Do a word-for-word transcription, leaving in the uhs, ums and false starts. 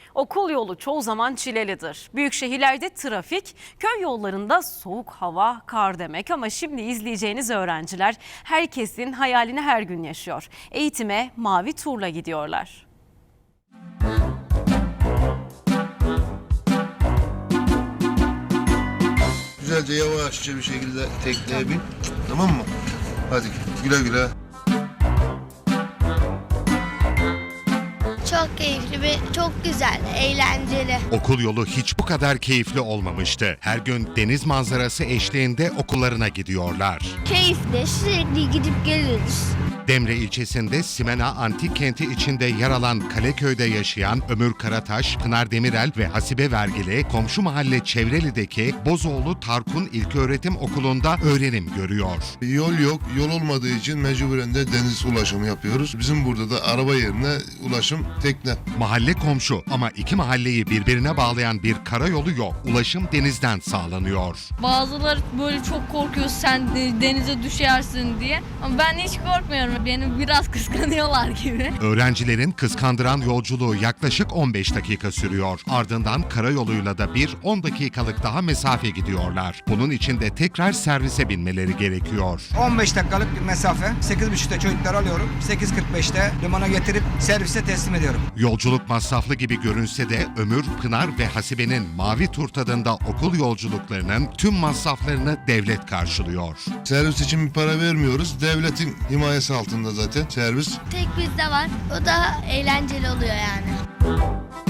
Okul yolu çoğu zaman çilelidir. Büyük şehirlerde trafik, köy yollarında soğuk hava, kar demek. Ama şimdi izleyeceğiniz öğrenciler herkesin hayalini her gün yaşıyor. Eğitime mavi turla gidiyorlar. Güzelce yavaşça bir şekilde tekneye bin. Tamam mı? Hadi güle güle. Çok keyifli ve çok güzel, eğlenceli. Okul yolu hiç bu kadar keyifli olmamıştı. Her gün deniz manzarası eşliğinde okullarına gidiyorlar. Keyifli, sürekli gidip geliyoruz. Demre ilçesinde Simena Antik Kenti içinde yer alan Kaleköy'de yaşayan Ömür Karataş, Pınar Demirel ve Hasibe Vergili komşu mahalle Çevreli'deki Bozoğlu Tarkun İlköğretim Okulu'nda öğrenim görüyor. Yol yok. Yol olmadığı için mecburen de deniz ulaşımı yapıyoruz. Bizim burada da araba yerine ulaşım tekne. Mahalle komşu ama iki mahalleyi birbirine bağlayan bir karayolu yok. Ulaşım denizden sağlanıyor. Bazıları böyle çok korkuyor sen de- denize düşersin diye. Ama ben hiç korkmuyorum. Beni biraz kıskanıyorlar gibi. Öğrencilerin kıskandıran yolculuğu yaklaşık on beş dakika sürüyor. Ardından karayoluyla da bir on dakikalık daha mesafe gidiyorlar. Bunun için de tekrar servise binmeleri gerekiyor. on beş dakikalık bir mesafe. sekiz buçukta çocukları alıyorum. sekiz kırk beşte limana getirip servise teslim ediyorum. Yolculuk masraflı gibi görünse de Ömür, Pınar ve Hasibe'nin Mavi Tur tadında okul yolculuklarının tüm masraflarını devlet karşılıyor. Servis için bir para vermiyoruz. Devletin himayesi altında zaten servis. Tek bizde var, o da eğlenceli oluyor yani.